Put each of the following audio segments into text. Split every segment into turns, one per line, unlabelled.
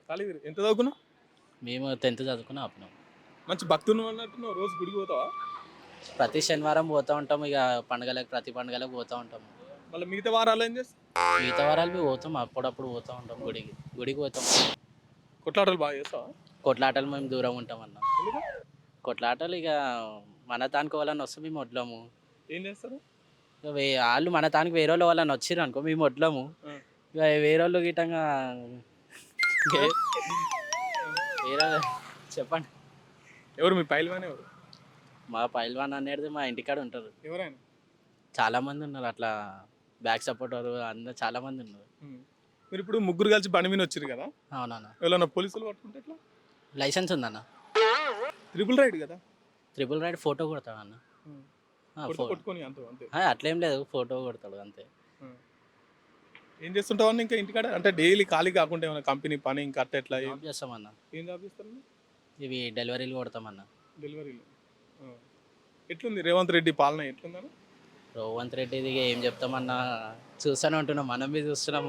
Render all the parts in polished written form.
ఖాళీ ఎంత చదువుకున్నావు?
మేము 10th చదువుకుని ఆపినాం.
మంచి భక్తులు అన్నట్టున్నావు, రోజు గుడికి పోతావా?
ప్రతి శనివారం పోతూ ఉంటాం. ఇక ప్రతి పండుగలకు పోతూ ఉంటాం.
మళ్ళీ మిగతా వారాలు ఏం చేస్తావు?
మిగతా వారాలు మేము పోతాం, అప్పుడప్పుడు పోతూ ఉంటాం గుడికి పోతాం.
కొట్లాటలు బాగా చేస్తావా?
కొట్లాటలు మేము దూరం ఉంటాం అన్న.
ఎందుకు?
కొట్లాటలు ఇక మన తానికి వాళ్ళని వస్తే మేము వడ్లము.
ఏం చేస్తారు?
ఇక వాళ్ళు మన తానికి వేరే వాళ్ళు వాళ్ళని వచ్చిర్రు అనుకో మేము వడ్లము. ఇక వేరే వాళ్ళు గిట్టంగా వేరే చెప్పండి.
ఎవరు మీ పైల్వాన్? ఎవరు
మా పైల్వాన్ అనేది మా ఇంటికాడ ఉంటారు.
ఎవరైనా?
చాలా మంది ఉన్నారు అట్లా, బ్యాక్ సపోర్టర్ అందరు చాలా మంది ఉన్నారు.
మీరు ఇప్పుడు ముగ్గురు కలిసి బండి మీద వచ్చారు కదా?
అవునన్నా.
ఎవరైనా పోలీసులు పట్టుకుంటే ఎట్లా?
లైసెన్స్ ఉందన్న.
ట్రిపుల్ రైడ్ కదా?
ట్రిపుల్ రైడ్ ఫోటో కొడతాడు అన్న.
కొట్టుకొని అంతే.
అట్లేం లేదు, ఫోటో కొడతాడు అంతే.
ఏం చేస్తుంటావు అన్న ఇంకా ఇంటికాడ? అంటే డైలీ ఖాళీ కాకుండా ఏమైనా కంపెనీ పని ఇంకా అట్లా ఎట్లా
జాబ్ చేస్తామన్న.
ఏం జాబ్ చేస్తారు?
ఇవి డెలివరీలు కొడతామన్న.
డెలివరీలు. ఎట్లుంది రేవంత్ రెడ్డి పాలన ఎట్లుందన్న?
రేవంత్ రెడ్డిది ఏం చెప్తామన్నా, చూస్తూనే ఉంటున్నాం, మనం బి చూస్తున్నాం.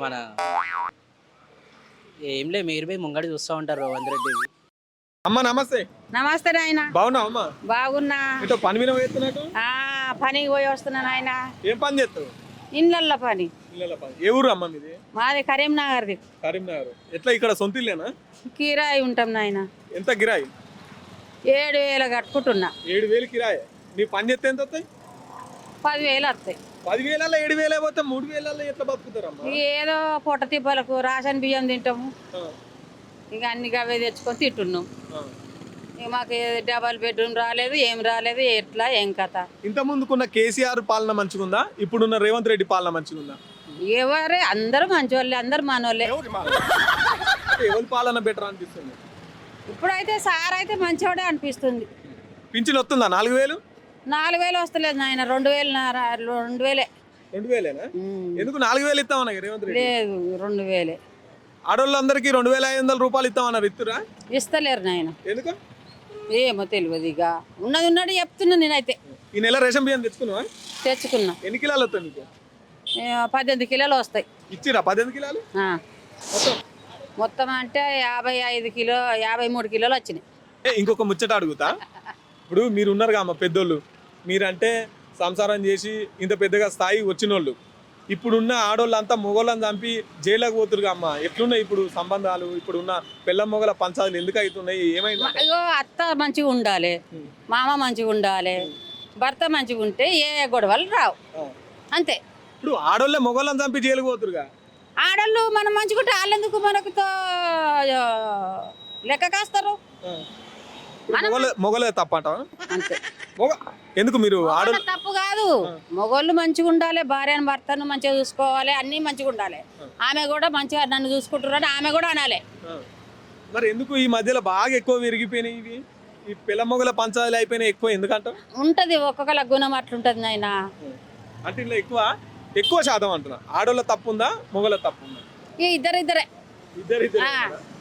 ఏం లేదు, మీరు బి ముంగడి చూస్తూ ఉంటారు రేవంత్ రెడ్డి.
అమ్మ నమస్తే.
నమస్తే నాయన.
బాగున్నావు అమ్మా?
బాగున్నా.
ఇటో పని మీద పోతున్నట్టు?
పనికి పోయి వస్తున్నా నాయన.
ఏం పని చేస్తావు?
ఇండ్లల్లో పని.
ఇళ్ళ పని. ఏ ఊరు అమ్మ మీది?
మాది కరీంనగర్ది.
కరీంనగర్. ఎట్లా ఇక్కడ సొంత ఇల్లేనా?
కిరాయి ఉంటాం నాయన.
ఎంత కిరాయి?
7,000 కట్టుకుంటున్నా.
7,000 కిరాయి. నీ పని చేస్తే ఎంత వస్తాయి?
10,000 వస్తాయి.
10,000 7,000 పోతే 3,000 ఎట్లా బతుకుతారమ్మా?
ఏదో పొట్ట తిప్పలకు రేషన్ బియ్యం తింటాము. ఇక అన్ని అవే తెచ్చుకొని తింటున్నాం. ఇక మాకు డబల్ బెడ్రూమ్ రాలేదు, ఏం రాలేదు, ఎట్లా ఏం కథ.
ఇంత ముందుకున్న కేసీఆర్ పాలన మంచిగుందా, ఇప్పుడున్న రేవంత్ రెడ్డి పాలన మంచిగుందా?
ఎవరే అందరూ మంచోళ్ళే, అందరు మనోళ్ళే.
ఎవరి పాలన బెటర్ అనిపిస్తుంది?
ఇప్పుడైతే సార్ అయితే మంచివాడే అనిపిస్తుంది.
పింఛన్ వస్తుందా? 4,000?
4,000 వస్తలేదు నాయన. 2,000. 2,000.
2,000? ఎందుకు 4,000 ఇస్తామన్నా రేవంత్ రెడ్డి?
లేదు, 2,000.
ఆడోళ్ళందరికీ 2,500 రూపాయలు ఇస్తామన్నారు, ఇస్తురా?
ఇస్తలేరు నాయన.
ఎందుకు?
ఏమో తెలియదు. ఇక ఉన్నది చెప్తున్నా నేనైతే.
ఈ నెల రేషన్ బియ్యం తెచ్చుకున్నావా?
తెచ్చుకున్నా.
ఎన్ని కిలోలు వస్తాయి నీకు?
18 కిలోలు వస్తాయి.
ఇచ్చిరా 18 కిలోలు?
మొత్తం అంటే 55 కిలో 53 కిలోలు వచ్చినాయి.
ఇంకొక ముచ్చట అడుగుతా. ఇప్పుడు మీరు ఉన్నారుగా అమ్మ పెద్దోళ్ళు, మీరంటే సంసారం చేసి ఇంత పెద్దగా స్థాయి వచ్చినోళ్ళు. ఇప్పుడున్న ఆడోళ్ళంతా మొగోళ్ళని చంపి జైలుకి పోతురుగా అమ్మ. ఎట్లున్నాయి ఇప్పుడు సంబంధాలు? ఇప్పుడున్న పిల్ల మొగల పంచాలు ఎందుకు అవుతున్నాయి? ఏమైంది?
అయ్యో, అత్త మంచిగా ఉండాలి, మామ మంచిగా ఉండాలి, భర్త మంచిగా ఉంటే ఏ గొడవలు రావు, అంతే.
ఇప్పుడు ఆడోళ్ళే మొగోళ్ళని చంపి జైలుకి పోతురుగా.
ఆడోళ్ళు మనం మంచిగా ఉంటే వాళ్ళెందుకు మనకు లెక్క కాస్తారు?
మొగలే తప్పంటావా?
అంతే.
ఎందుకు మీరు ఆడోళ్ళు?
తప్పు కాదు. మొగోళ్ళు మంచిగా ఉండాలి, భార్యను భర్తను మంచిగా చూసుకోవాలి, అన్ని మంచిగా ఉండాలి. ఆమె కూడా మంచిగా నన్ను చూసుకుంటున్నారని ఆమె కూడా అనాలి.
మరి ఎందుకు ఈ మధ్యలో బాగా ఎక్కువ విరిగిపోయినాయి ఇవి? ఈ పిల్ల మొగల పంచాలు అయిపోయినాయి ఎక్కువ ఎందుకంట?
ఉంటది, ఒక్కొక్కల గుణం అట్లుంటది నాయన.
అంటే ఇలా ఎక్కువ శాతం అంటున్నా. ఆడోళ్ళ తప్పు ఉందా, మొగల తప్పు ఉందా?
ఇద్దరే.
ఇద్దరు